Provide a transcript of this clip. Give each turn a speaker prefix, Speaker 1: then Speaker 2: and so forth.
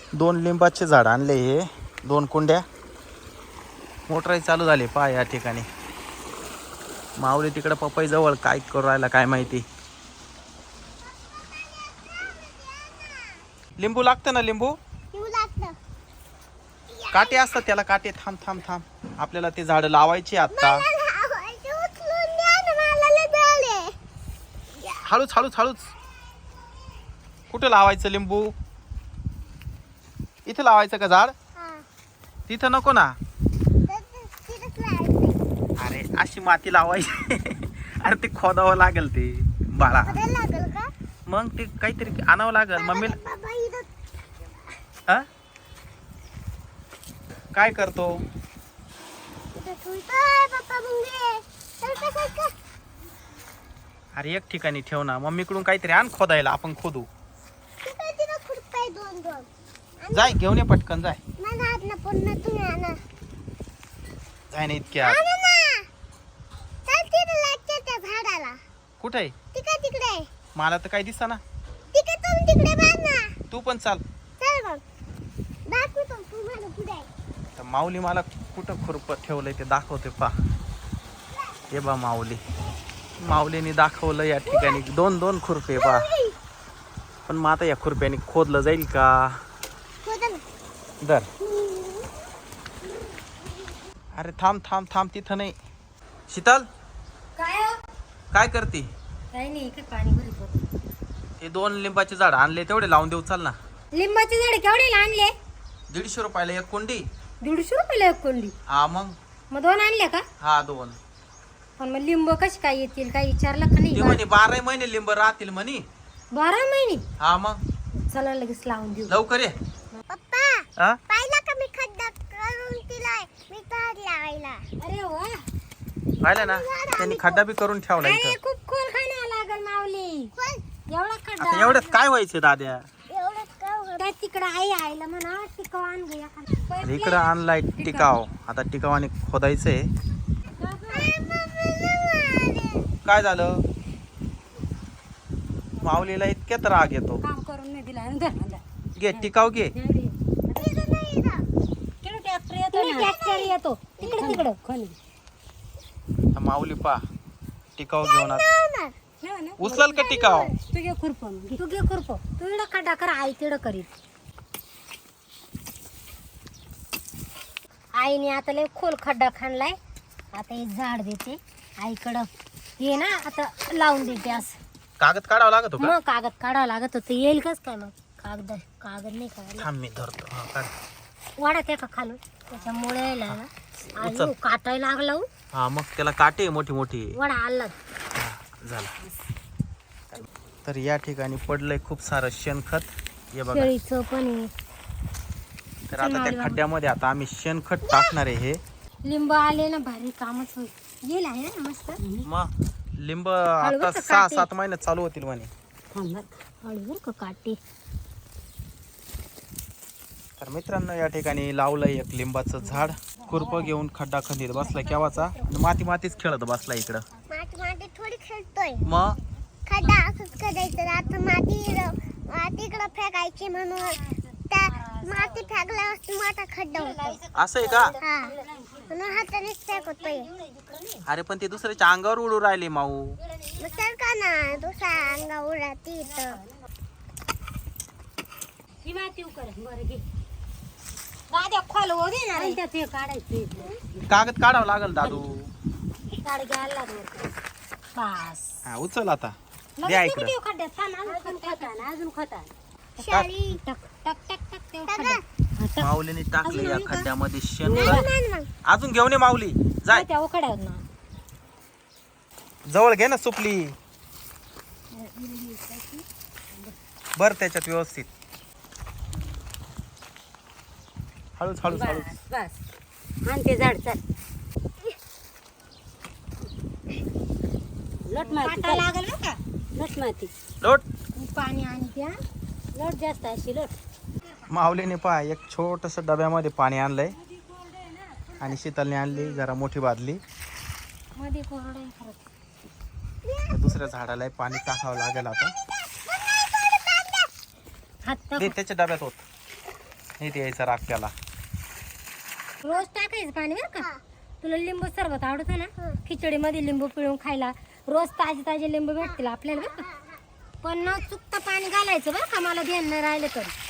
Speaker 1: 2 लिंबाचे झाड आणले हे 2 कुंड्या. मोटरही चालू झाली पहा या ठिकाणी. माऊली तिकडे पपई जवळ काय करू राहिला काय माहिती. लिंबू लागतं ना लिंबू. काटे असतात त्याला काटे. थांब थांब थांब आपल्याला ते झाड लावायची आता. हळूच हळूच हळूच. कुठे लावायचं लिंबू. इथे लावायचं का झाड. तिथं नको ना. अरे अशी माती लावायची. अरे ते खोदावं लागेल ते बाळा. मग ते काहीतरी आणावं लागेल मम्मीला. काय करतो. अरे एक ठिकाणी ठेव ना. मम्मीकडून काहीतरी आण खोदायला आपण खोदू. जाय घेऊन ये पटकन जाय. जाय ना इतक्या. कुठे मला तर काही दिसत ना. तू पण चाल. तर माऊली मला कुठं खुरपत ठेवलंय ते दाखवते पा. हे बा माऊलीने दाखवलं या ठिकाणी 2 खुरपे पा. पण मग आता या खुरप्याने खोदलं जाईल का. दर. अरे थांब थांब थांब तिथं नाही. शीतल काय करते.
Speaker 2: काही नाही इकडे पाणी भरत होतं.
Speaker 1: हे 2 लिंबाचे झाड आणले तेवढे लावून देऊ चाल ना.
Speaker 2: लिंबाचे झाड केवढे आणले.
Speaker 1: 150 रुपयाला एक कुंडी.
Speaker 2: 150 रुपयाला एक कोंडी.
Speaker 1: हा मग
Speaker 2: 2 आणले का.
Speaker 1: हा 2.
Speaker 2: पण मग लिंब कशी काय येतील काही विचारलं का नाही.
Speaker 1: ते म्हणे 12 महिने लिंब राहतील म्हणे.
Speaker 2: 12 महिने.
Speaker 1: हा मग
Speaker 2: चला लगेच लावून देऊ.
Speaker 1: लवकर ये.
Speaker 3: पप्पा पाहिला का मी खड्डा करून दिलाय मी झाड लावायला.
Speaker 2: अरे वा.
Speaker 1: पाहिलं ना त्यांनी खड्डा बी करून ठेवला
Speaker 2: अरे
Speaker 1: इथं.
Speaker 2: खूप खोल खाणं लागल माऊली. एवढा
Speaker 1: आता
Speaker 2: खड्डा.
Speaker 1: एवढ्यात काय व्हायचं दाद्या.
Speaker 2: त्या तिकडं आईला म्हणा टिकाव आण गया.
Speaker 1: इकडं आणलाय टिकाव. आता टिकावाने खोदायचंय. काय झालं. माऊलीला इतक्यात राग येतो.
Speaker 2: काम करून नाही दिला.
Speaker 1: घे टिकाव घे.
Speaker 2: ट्रॅक्टर येतो तिकडं खाली.
Speaker 1: माऊली पा टिकाव घेऊन उचलाल का टिकाव.
Speaker 2: तू घे खुरप. तू इकडं खड्डा कर. आई तिकडं करीत. आईने आता लय खोल खड्डा खाणलाय. आता हे झाड देते आईकडं. ये ना आता लावून देते असं.
Speaker 1: कागद काढावा लागतो का.
Speaker 2: मग कागद काढावं लागत होतं. येईल कस काय मग. कागद नाही काढायला.
Speaker 1: थांब मी धरतो. हा काढ.
Speaker 2: वाडा त्या का खालून त्याच्यामुळे यायला ना.
Speaker 1: उचल.
Speaker 2: आणि काटायला लागला.
Speaker 1: हा मग त्याला काटे मोठी मोठी.
Speaker 2: वडा आला.
Speaker 1: झाला. तर या ठिकाणी पडलंय खूप सारं शेणखत. हे बघा.
Speaker 2: शेळीचं पण आहे.
Speaker 1: तर आता त्या खड्ड्यामध्ये आता आम्ही शेणखत टाकणार आहे. हे
Speaker 2: लिंब आले ना भारी कामच होईल. येईल आहे ना मस्त.
Speaker 1: मग लिंब आता 6-7 महिन्यात चालू होतील म्हणे.
Speaker 2: हळूहळू का काटे.
Speaker 1: तर मित्रांनो या ठिकाणी लावलंय एक लिंबाचं झाड. खुरप घेऊन खड्डा खंदीत बसलाय केव्हाचा. मातीच खेळत बसलाय इकडं.
Speaker 3: माती थोडी खेळतोय.
Speaker 1: मग
Speaker 3: खड्डा असंच करायचं. आता मातीकडं फेकायची म्हणून त्या माती फेकल्यावर मोठा खड्डा होतो.
Speaker 1: असं आहे का.
Speaker 3: हा म्हणून हातानेच फेकतोय.
Speaker 1: अरे पण ते दुसऱ्याच्या अंगावर उडू राहिले माऊ.
Speaker 3: मग सरका ना दुसऱ्या अंगा उडती तर.
Speaker 2: ही माती उकर बरं घे. गाड्या खोल हो दे ना. त्यात हे काढायचं.
Speaker 1: कागद काढावं लागल दादू.
Speaker 2: काढ घ्यायला लागलं. बस.
Speaker 1: हा उचल आता. द्या इकडं.
Speaker 2: खड्ड्यात थांब. अजून खता.
Speaker 3: शाळी
Speaker 2: टक टक टक टक ते खड्ड्यात.
Speaker 1: माऊलीने टाकले या खड्ड्यामध्ये शेण.
Speaker 3: मग
Speaker 1: अजून घेऊन ये माऊली. जाय
Speaker 2: त्या उकड्यावर ना.
Speaker 1: जवळ घे ना सुपली. बर त्याच्यात व्यवस्थित. हळूच हळूच हळूच.
Speaker 2: बस आणि ते झाड चाल. लट माती लागल का. लट माती.
Speaker 1: लोट.
Speaker 2: पाणी आणि त्या लट जास्त अशी लट.
Speaker 1: माऊलीने पहा एक छोटस डब्यामध्ये पाणी आणलंय. आणि शीतलने आणली जरा मोठी बादली.
Speaker 2: मध्ये कोरडे खरंच.
Speaker 1: दुसऱ्या झाडाला पाणी टाकावं लागेल आता.
Speaker 2: हात
Speaker 1: दे त्याच्या डब्यात होत. नाही द्यायचा राग त्याला.
Speaker 2: रोज टाकायचं पाणी बरं का. तुला लिंबू सरबत आवडतं ना, खिचडीमध्ये लिंबू पिळून खायला रोज ताजे ताजे लिंबू भेटतील आपल्याला बरं का. पण न चुकता पाणी घालायचं बरं का, मला ध्यान नाही राहिलं तरी.